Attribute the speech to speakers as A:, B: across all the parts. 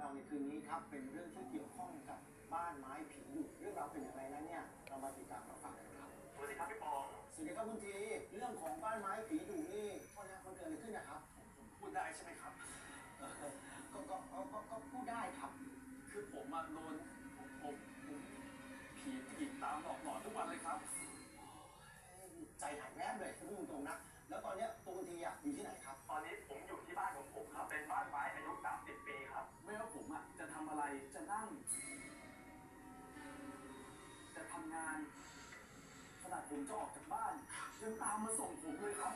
A: ในคืนนี้ครับเป็นเรื่องที่เกี่ยวข้องกับบ้านไม้ผีดุเรื่องราวเป็นอย่างไรนั้นเนี่ยเรามาติดตามรับฟังกันครับ
B: สวัสดีครับพี่ป๋อง
A: สวัสดีครับคุณทีเรื่องของบ้านไม้ผีดุนี่โทษนะมันเกิดอะไรขึ้นนะครับ
B: ผมพูดได้ใช่ไหมครับ
A: เอ่อก็พูดได้ครับ
B: คือผมอะโดนผมผีผู้หญิงตามหลอกหลอนทุกวันเลยครับ
A: ใจหายแวบเลยพูดตรงๆนะแล้วตอนเนี้ยตัวคุณทีอ่ะอยู่ที่ไหนครับ
B: ตอนนี้ผมอยู่ที่บ้านของผมครับ เป็นบ้านไม้อายุ30 ปีครับ ไม่ว่าผมอะจะทำอะไร จะนั่ง จะทำงาน ขนาดผมจะออกจากบ้านยังตามมาส่งผมเลยครับ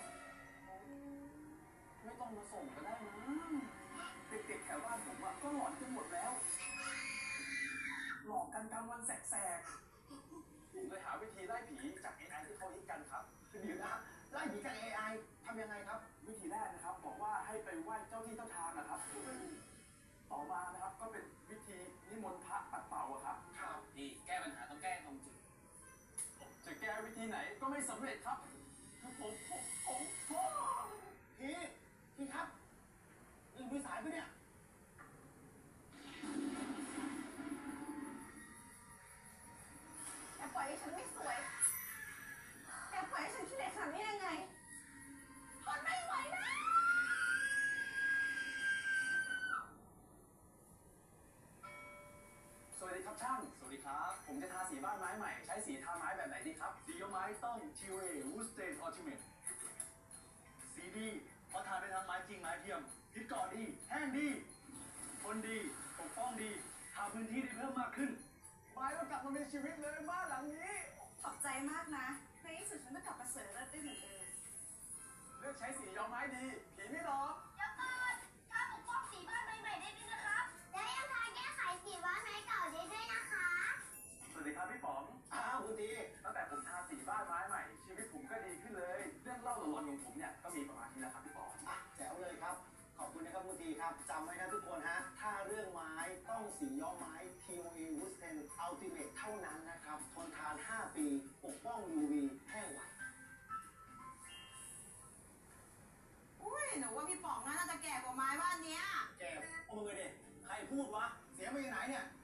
B: ไม่ต้องมาส่งก็ได้นะเด็กๆแถวบ้านผมอะก็หลอนกันหมดแล้ว หลอกกันกลางวันแสกๆผมเลยหาวิธีไล่ผีจาก AI ที่เขาฮิตกันครับ
A: เดี๋ยวนะไล่ผีจาก AI ทำยังไงครับ
B: วิธีแรกนะครับบอกว่าให้ไปไหว้เจ้าที่เจ้าทางนะครับ ต่อมานะครับก็เป็นวิธีนิมนต์พระปัดเป่าอะครับ
A: ครับ
C: นี่แก้ปัญหาต้องแก้ตรงจุด
B: จะแก้วิธีไหนก็ไม่สำเร็จครับคือผม
A: พี่ครับนี่มือสายปะเนี่ย
D: แกปล่อยให้ฉันไม่สวย แกปล่อยให้ฉันขี้เหร่ขนาดนี้ยังไงทนไม่ไหวแล้ว
B: สวัสดีครับช่าง สวัสดีครับ ผมจะทาสีบ้านไม้ใหม่ ใช้สีทาไม้แบบไหนดีครับ สีไม้ต้อง TOA Wood Stain Ultimate สีดีเพราะทาได้ทั้งไม้จริงไม้เทียมยึดเกาะดี แห้งดี ทนดี ปกป้องดี ทาพื้นที่ได้เพิ่มมากขึ้น ไม้ก็กลับมามีชีวิตเลยบ้านหลังนี้
D: ขอบใจมากนะ ในที่สุดฉันก็กลับมาสวยเลิศได้เหมือนเดิม
B: เลือกใช้สีย้อมไม้ดี ผีไม่หลอก
E: เดี๋ยวก่อนถ้าปกป้องสีบ้านใหม่ๆได้ด้วยนะครับ และยังทาแก้ไขสีบ้านไม้เก่าได้ด้วยนะคะ
B: สวัสดีครับพี่ป๋อง
A: อ้าวคุณที
B: ตั้งแต่ผมทาสีบ้านไม้ใหม่ ชีวิตผมก็ดีขึ้นเลย เรื่องเล่าหลอนๆของผมเนี่ยก็มีประมาณนี้แหละครับพี่ป๋อง
A: อ่ะแจ๋วเลยครับ ขอบคุณนะครับคุณทีครับจำไว้นะทุกคนฮะ ถ้าเรื่องไม้ต้องสีย้อมไม้ TOA Wood Stain Ultimate เท่านั้นนะครับ ทนทาน 5 ปี ปกป้อง UV แห้งไว
D: อุ้ยหนูว่าพี่ป๋องน่าจะแก่กว่าไม้บ้านเนี้ย
A: แกเอามือดิใครพูดวะ เสียงมาจากไหนเนี่ย